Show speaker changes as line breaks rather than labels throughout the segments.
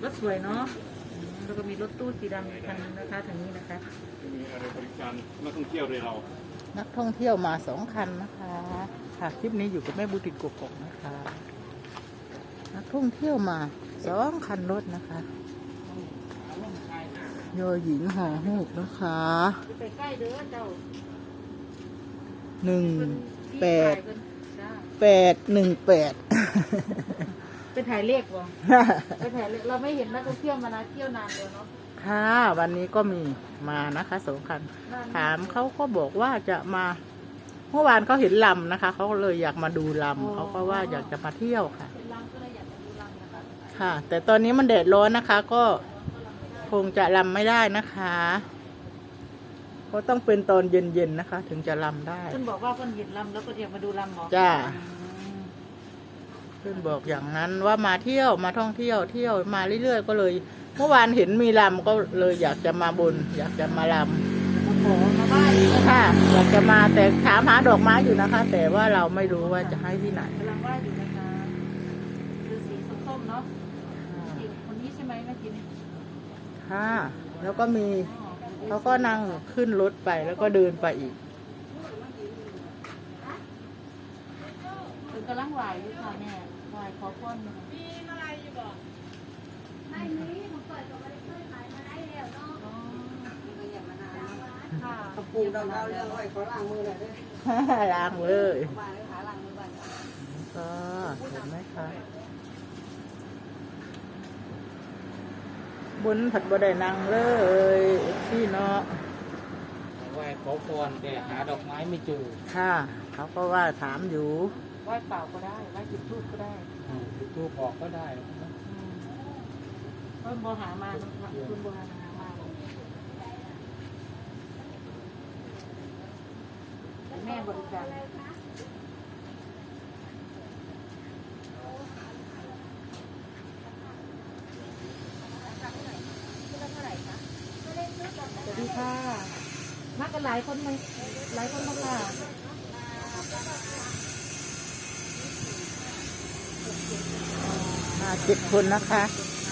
รถสวยเนาะแล้วก็มีรถตู้สีดำอีกคันนึงนะคะทางนี้นะคะ
มีอะไรบริการนักท่องเที่ยวเลยเรา
นักท่องเที่ยวมา2 คันนะคะค่ะคลิปนี้อยู่กับแม่บุตินกกอกนะคะ นักท่องเที่ยวมา2 คันรถนะคะยอหญิงห่อหูกนะคะ
ไปใกล้เด้อเจ้า
18818
ไปถ่ายเลขวะไปถ่ายเลขเราไม่เห็นนักท่องเที่ยวมานะเที่ยวนานเลยเนาะ
ค่ะวันนี้ก็มีมานะคะ2 คันถามเขาก็บอกว่าจะมาเมื่อวานเขาเห็นลำนะคะเขาเลยอยากมาดูลำเขาก็ว่าอยากจะมาเที่ยวค่ะค่ะแต่ตอนนี้มันแดดร้อนนะคะก็คงจะลำไม่ได้นะคะก็ต้องเป็นตอนเย็นๆนะคะ ถึงจะลำได้
เพื่อนบอกว่าเพื่อนเห็นลำแล้วก็อยากมาดูลำหรอ
จ้าเพื่อนบอกอย่างนั้นว่ามาเที่ยวมาท่องเที่ยวมาเรื่อยๆก็เลยเมื่อวานเห็นมีลำก็เลยอยากจะมาบนอยากจะมาลำ
ขอมาบ้าน
ค่ะอยากจะมาแต่ถามหาดอกไม้อยู่นะคะแต่ว่าเราไม่รู้ว่าจะให้ที่ไหน
กำลังว่าอยู่นะคะคือสีส้มๆเนาะคนนี้ใช่ไหมแม่กิน
ค่ะแล้วก็มีเขาก็นั่งขึ้นรถไปแล้วก็เดินไปอีก
เป็นกำลังไหวอยู่ค่ะแม่ไหวขอพ้นมีอะไรอยู่บ่ไม่มีผมเปิดก็ไม่ได้เคยขายมาได้แล้วเนาะก็อย่างมานานค่ะกระปูดำเราเรื่องไว้ขอล้างมือหน่อยด้วย
ล้างเลย
มาเลยค่ะล้างมือบ้าง
ก็เห็นไหมคะบนผัดบดได้นางเลยพี่เนาะ
ไหว้ขอพรแต่หาดอกไม้ไม่เจอ
ค่ะเขาก็ว่าถามอยู่
ไหว้เปล่าก็ได้ไหว้จุดธูปก็ได้
จุดธูปออกก็ได้
เพิ่มโบหามาคุณโบหามาแม่บริการสวัสดีค่ะมากันหลายคนไหมหลายคนมากค่ะ
มา7 คนนะคะ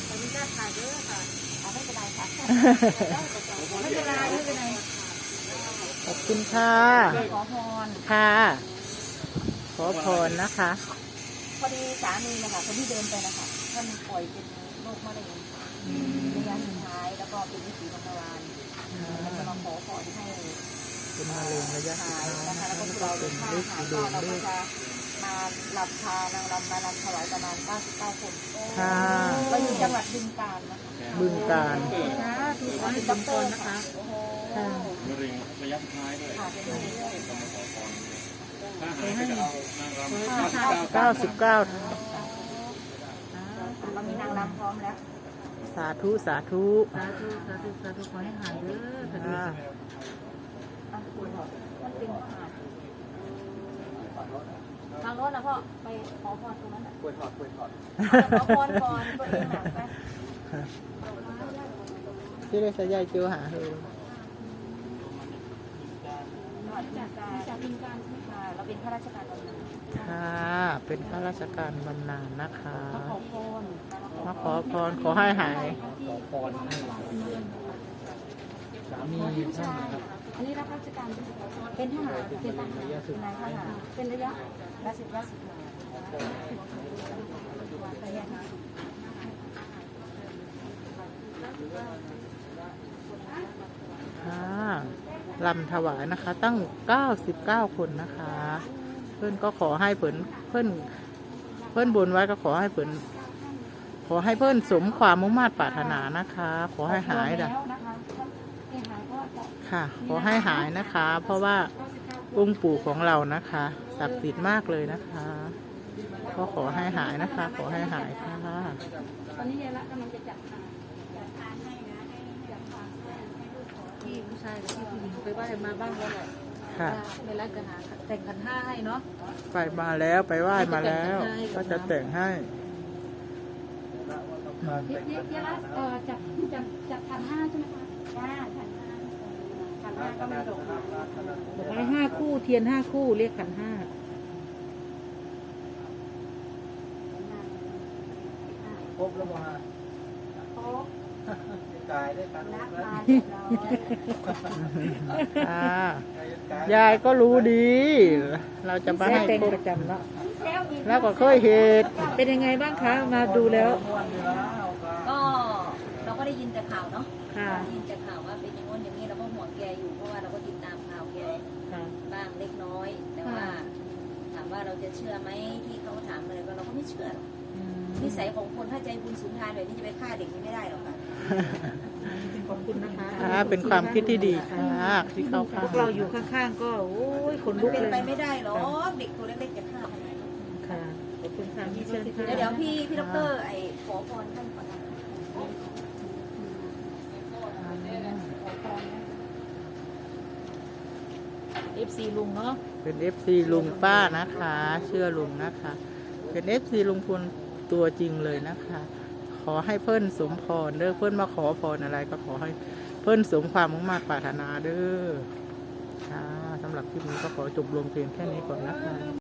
ไม่เป็นไรค่ะไม่เป็นไรไม่เป็นไร
ขอบคุณค่ะ
ขอพร
ค่ะขอพรนะคะ
พอดีสามีนะคะคนที่เดินไปนะคะท่านป่วยเป็นโรคมะเร็งระยะสุดท้ายแล้วก็เป็นวิถีของเราแล้วจะมาขอพรให้
เป็นมะเร็งระยะสุดท้าย
นะคะแล้วก็เราเป็นฤทธิ์ดวงเราก็จะมาลำพานางรำมาลำถวายประมาณ99 คนเราอยู่จังหวัดบึงกาฬนะคะ
บึงกาฬ
ถูกต้องด็อกเตอร์นะคะ
มะเร็งระยะสุดท้ายด้วยต้องมาขอพรถ้าหายก็จะเอานางรำ
99
เรามีนางรำพร้อมแล้ว
สาธุสาธุ
ขอให้หายเด้อคดีมันเป็นทางโน้นนะพ่อไปขอพรตรงนั้นกล้วยทอดขอพรก่อนตัวเองหนักไป
ที่ได้สายใยเจียวหาเลย
จากบินการใช่ไหมคะเราเป็นข้าราชการบำนาญ
ค่ะเป็นข้าราชการบำนาญนะคะ
มาขอพร
ขอให้หาย
ขอพรสามีท่านครับ
อันนี้รับราชการเป็นทหารเป็นนายทหารเป็นระยะ10
ค่ะลำถวายนะคะตั้ง99 คนนะคะเพื่อนก็ขอให้เพื่อนบนไว้ก็ขอให้เพื่อนสมความมุ่งมั่นปรารถนานะคะขอให้หายนะค่ะขอให้หายนะคะเพราะว่าองค์ปู่ของเรานะคะศักดิ์สิทธิ์มากเลยนะคะก็ขอให้หายนะคะขอให้หายค่ะ
ตอนนี้ยายละกำลังจะจัดทานให้นะที่ผู้ชายกับที่ผู้หญิงไปไหว้มาบ้างแล้วแหละ
ค่ะ
ในร้านจะหาแต่งขันห้าให้เนาะ
ไปมาแล้วไปไหว้มาแล้วก็จะแต่งให้
ยายละจัดขันห้าใช่ไหมคะขันห้าก็ไม่ดกบอกว่า5 คู่เทียน5 คู่เรียกขันห้า
ครบแล้วมา
ตายได้กัน
รัก
แล้ว
มาเรียบร้อย
ยายก็รู้ดี เราจะมาให้
เป็น
พบ
ประจำเนาะ
แล้วก็เคยเห็น
เป็นยังไงบ้างคะมาดูแล้ว
ก็เราก็ได้ยินแต่ข่าวเนาะ
ค่ะ
ได้ยินแต่ข่าวว่าเป็นอย่างนู้นอย่างนี้เราก็ห่วงแกอยู่เพราะว่าเราก็ติดตามข่าวแก
ค่ะ
บ้างเล็กน้อย แต่ว่าถามว่าเราจะเชื่อไหมที่เขาถามอะไรก็เราก็ไม่เชื่อหรอกนิสัยของคนถ้าใจบุญสุนทานแบบนี้จะไปฆ่าเด็กไม่ได้หรอกค่ะ
ขอบคุณนะคะ
เป็นความคิดที่ดีค่ะที่เข้าข้า
พวกเราอยู่ข้างๆก็โอ้ยขน
มั
ลุ
น
ก
เป็น
เลย
ไปไม่ได้หรอกเด็กตัวเล็กๆจะฆ่าทำไม
ค่ะขอบคุณค่ะพี่เชิญค่ะ
เดี๋ยวพี่ดรไอ้ขอพรท่านก่อนนะ
FC ลุงเนาะ
เป็น FC ลุงป้านะคะ เชื่อลุงนะคะ เป็น FC ลุงพลตัวจริงเลยนะคะ ขอให้เพิ่นสมพรเด้อเพิ่นมาขอพรอะไรก็ขอให้เพิ่นสมความมุ่งมั่นปรารถนาเด้อค่ะสำหรับคลิปนี้ก็ขอจบลงเพียงแค่นี้ก่อนนะคะ